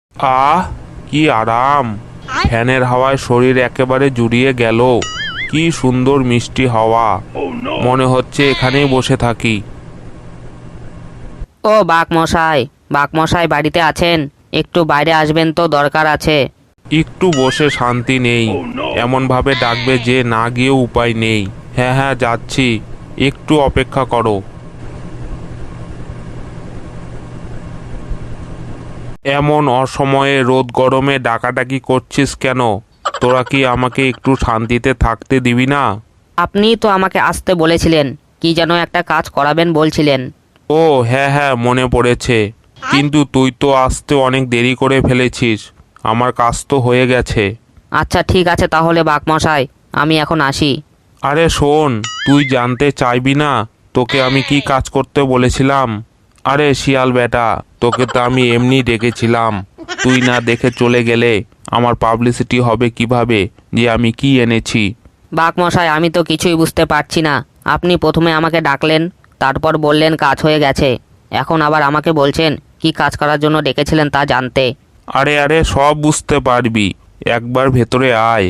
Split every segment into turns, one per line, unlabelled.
আহ, কি আরাম! ফ্যানের হাওয়ায় শরীর একেবারে জুড়িয়ে গেল। কি সুন্দর মিষ্টি হাওয়া, মনে হচ্ছে এখানেই বসে থাকি।
ও বাঘমশাই বাড়িতে আছেন? একটু বাইরে আসবেন তো, দরকার আছে।
একটু বসে শান্তি নেই, এমন ভাবে ডাকবে যে না গিয়েও উপায় নেই। হ্যাঁ হ্যাঁ, যাচ্ছি, একটু অপেক্ষা করো। এমন অসময়ে রোদ গরমে ডাকাডাকি করছিস কেন? তোরা কি আমাকে একটু শান্তিতে থাকতে দিবি না?
আপনিই তো আমাকে আসতে বলেছিলেন, কি যেন একটা কাজ করাবেন বলছিলেন।
ও হ্যাঁ হ্যাঁ, মনে পড়েছে। কিন্তু তুই তো আসতে অনেক দেরি করে ফেলেছিস, আমার কাজ তো হয়ে গেছে।
আচ্ছা ঠিক আছে তাহলে বাঘমশাই, আমি এখন আসি।
আরে শোন, তুই জানতে চাইবি না তোকে আমি কি কাজ করতে বলেছিলাম? আরে শিয়াল বেটা, তোকে তো আমি এমনি ডেকেছিলাম। তুই না দেখে চলে গেলে আমার পাবলিসিটি হবে কিভাবে যে আমি কি এনেছি?
বাঘমশাই, আমি তো কিছুই বুঝতে পারছি না। আপনি প্রথমে আমাকে ডাকলেন, তারপর বললেন কাজ হয়ে গেছে, এখন আবার আমাকে বলছেন কি কাজ করার জন্য ডেকেছিলেন তা জানতে।
আরে আরে, সব বুঝতে পারবি, একবার ভেতরে আয়।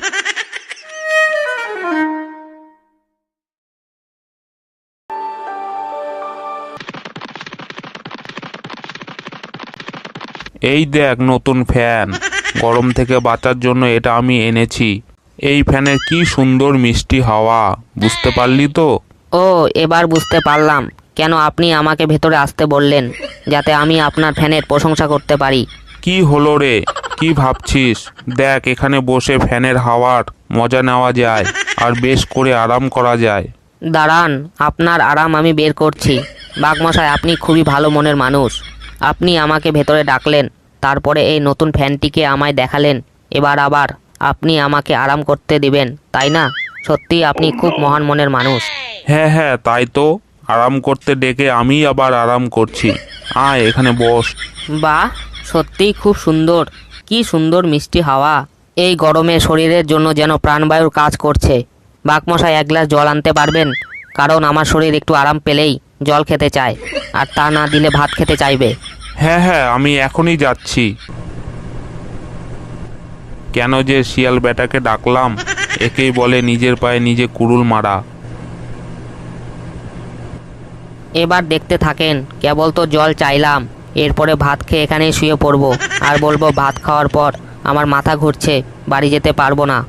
এই দেখ নতুন ফ্যান, গরম থেকে বাঁচার জন্য এটা আমি এনেছি। এই ফ্যানের কি সুন্দর মিষ্টি হাওয়া, বুঝতে পারলি তো?
ও, এবার বুঝতে পারলাম কেন আপনি আমাকে ভেতরে আসতে বললেন, যাতে আমি আপনার ফ্যানের প্রশংসা করতে পারি।
কি হলো রে, কি ভাবছিস? দেখ, এখানে বসে ফ্যানের হাওয়ার মজা নেওয়া যায়, আর বেশ করে আরাম করা যায়।
দাঁড়ান, আপনার আরাম আমি বের করছি। বাঘমশাই, আপনি খুবই ভালো মনের মানুষ। আপনি আমাকে ভেতরে ডাকলেন, তারপরে এই নতুন ফ্যানটিকে আমায় দেখালেন, এবার আবার আপনি আমাকে আরাম করতে দিবেন, তাই না? সত্যি আপনি খুব মহান মনের মানুষ।
হ্যাঁ হ্যাঁ, তাই তো, আরাম করতে ডেকে আমি আবার আরাম করছি। আয় এখানে বস।
বাহ, সত্যিই খুব সুন্দর। কি সুন্দর মিষ্টি হাওয়া, এই গরমে শরীরের জন্য যেন প্রাণবায়ুর কাজ করছে। বাঘমশাই, এক গ্লাস জল আনতে পারবেন? কারণ আমার শরীর একটু আরাম পেলেই জল খেতে চায়, আর তা না দিলে ভাত খেতে চাইবে।
হ্যাঁ হ্যাঁ, আমি এখনই যাচ্ছি। কেন যে শিয়াল বেটাকে ডাকলাম, একেই বলে নিজের পায়ে নিজে কুড়ুল মারা।
এবার দেখতে থাকেন, কেবল তো জল চাইলাম, এরপরে ভাত খেয়ে এখানেই শুয়ে পড়বো, আর বলবো ভাত খাওয়ার পর আমার মাথা ঘুরছে, বাড়ি যেতে পারবো না।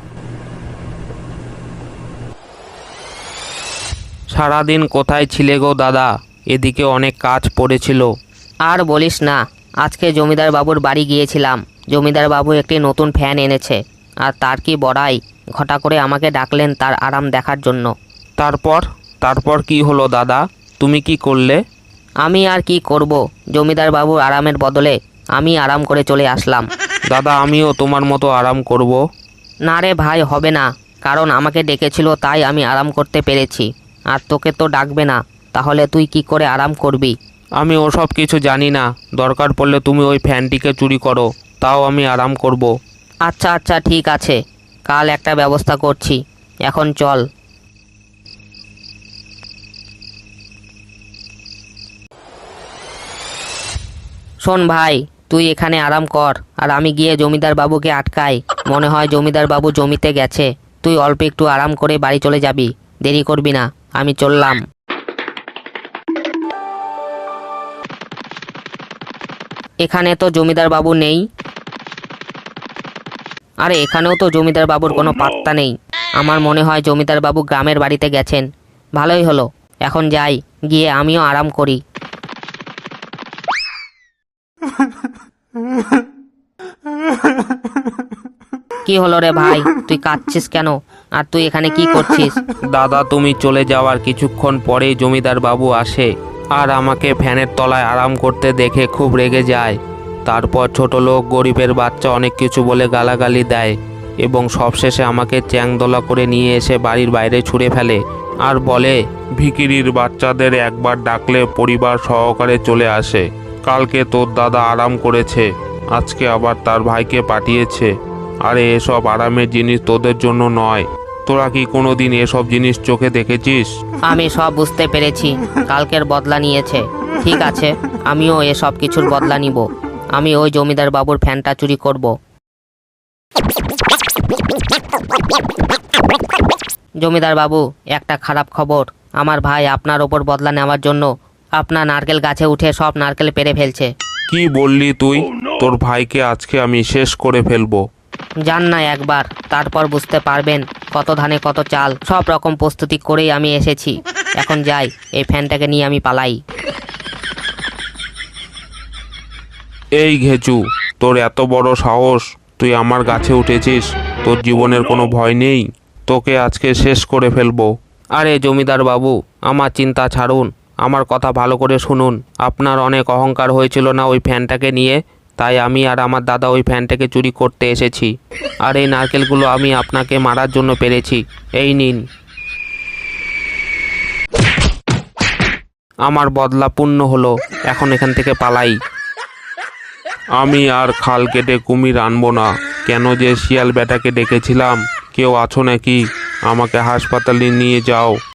সারাদিন কোথায় ছিলে গো দাদা? এদিকে অনেক কাজ পড়েছিল।
আর বলিস না, আজকে জমিদার বাবুর বাড়ি গিয়েছিলাম। জমিদার বাবু একটি নতুন ফ্যান এনেছে, আর তার কি বড়াই, ঘটা করে আমাকে ডাকলেন তার আরাম দেখার জন্য।
তারপর তারপর কি হলো দাদা? তুমি কি করলে?
আমি আর কি করব, জমিদার বাবুর আরামের বদলে আমি আরাম করে চলে আসলাম।
দাদা, আমিও তোমার মতো আরাম করব।
না রে ভাই, হবে না, কারণ আমাকে ডেকেছিল তাই আমি আরাম করতে পেরেছি, আর তোকে তো ডাকবে না, তাহলে তুই কি করে আরাম করবি?
আমি ওসব কিছু জানি না, দরকার পড়লে তুমি ওই ফ্যানটিকে চুরি করো, তাও আমি আরাম করব।
আচ্ছা আচ্ছা ঠিক আছে, কাল একটা ব্যবস্থা করছি, এখন চল। শোন ভাই, তুই এখানে আরাম কর, আর আমি গিয়ে জমিদার বাবুকে আটকাই। মনে হয় জমিদার বাবু জমিতে গেছে, তুই অল্প একটু আরাম করে বাড়ি চলে যাবি, দেরি করবি না, আমি চললাম। এখানে তো জমিদার বাবু নেই। আরে এখানেও তো জমিদার বাবুর কোনো পাত্তা নেই। আমার মনে হয় জমিদার বাবু গ্রামের বাড়িতে গেছেন। ভালোই হলো, এখন যাই, গিয়ে আমিও আরাম করি। কি হলো রে ভাই, তুই কাঁদছিস কেন? আর তুই এখানে কি করছিস?
দাদা, তুমি চলে যাওয়ার কিছুক্ষণ পরেই জমিদার বাবু আসে, আর আমাকে ফ্যানের তলায় আরাম করতে দেখে খুব রেগে যায়। তারপর ছোট লোক গরিবের বাচ্চা অনেক কিছু বলে গালাগালি দেয়, এবং সবশেষে আমাকে চ্যাংদোলা করে নিয়ে এসে বাড়ির বাইরে ছুঁড়ে ফেলে, আর বলে ভিখিরির বাচ্চাদের একবার ডাকলে পরিবার সহকারে চলে আসে। কালকে তোর দাদা আরাম করেছে, আজকে আবার তার ভাইকে পাঠিয়েছে। আরে এসব আরামের জিনিস তোদের জন্য নয়। তোরা কি কোনোদিন এসব জিনিস চোখে দেখেছিস?
আমি সব বুঝতে পেরেছি, কালকের বদলা নিয়েছে। ঠিক আছে, আমিও এসব কিছুর বদলা নিব। আমি ওই জমিদার বাবুর ফ্যানটা চুরি করব। জমিদার বাবু, একটা খারাপ খবর। আমার ভাই আপনার ওপর বদলা নেওয়ার জন্য আপনার নারকেল গাছে উঠে সব নারকেল পেড়ে ফেলছে।
কি বললি তুই? তোর ভাইকে আজকে আমি শেষ করে ফেলবো।
যান না একবার, তারপর বুঝতে পারবেন কত ধানে কত চাল। সব রকম প্রস্তুতি করেই আমি এসেছি। এখন যাই, এই ফ্যানটাকে নিয়ে আমি পালাই।
এই ঘেচু, তোর এত বড় সাহস, তুই আমার গাছে উঠেছিস? তোর জীবনের কোনো ভয় নেই? তোকে আজকে শেষ করে ফেলবো। আরে জমিদার বাবু, আমার চিন্তা ছাড়ুন, আমার কথা ভালো করে শুনুন। আপনার অনেক অহংকার হয়েছিল না ওই ফ্যানটাকে নিয়ে, তাই আমি আর আমার দাদা ওই ফ্যানটাকে চুরি করতে এসেছি। আর এই নারকেলগুলো আমি আপনাকে মারার জন্য পেরেছি। এই নিন। আমার বদলা পূর্ণ হলো, এখন এখান থেকে পালাই। আমি আর খাল কেটে কুমির আনবো না। কেন যে শিয়াল বেটাকে ডেকেছিলাম? কেউ আছো নাকি? আমাকে হাসপাতালে নিয়ে যাও।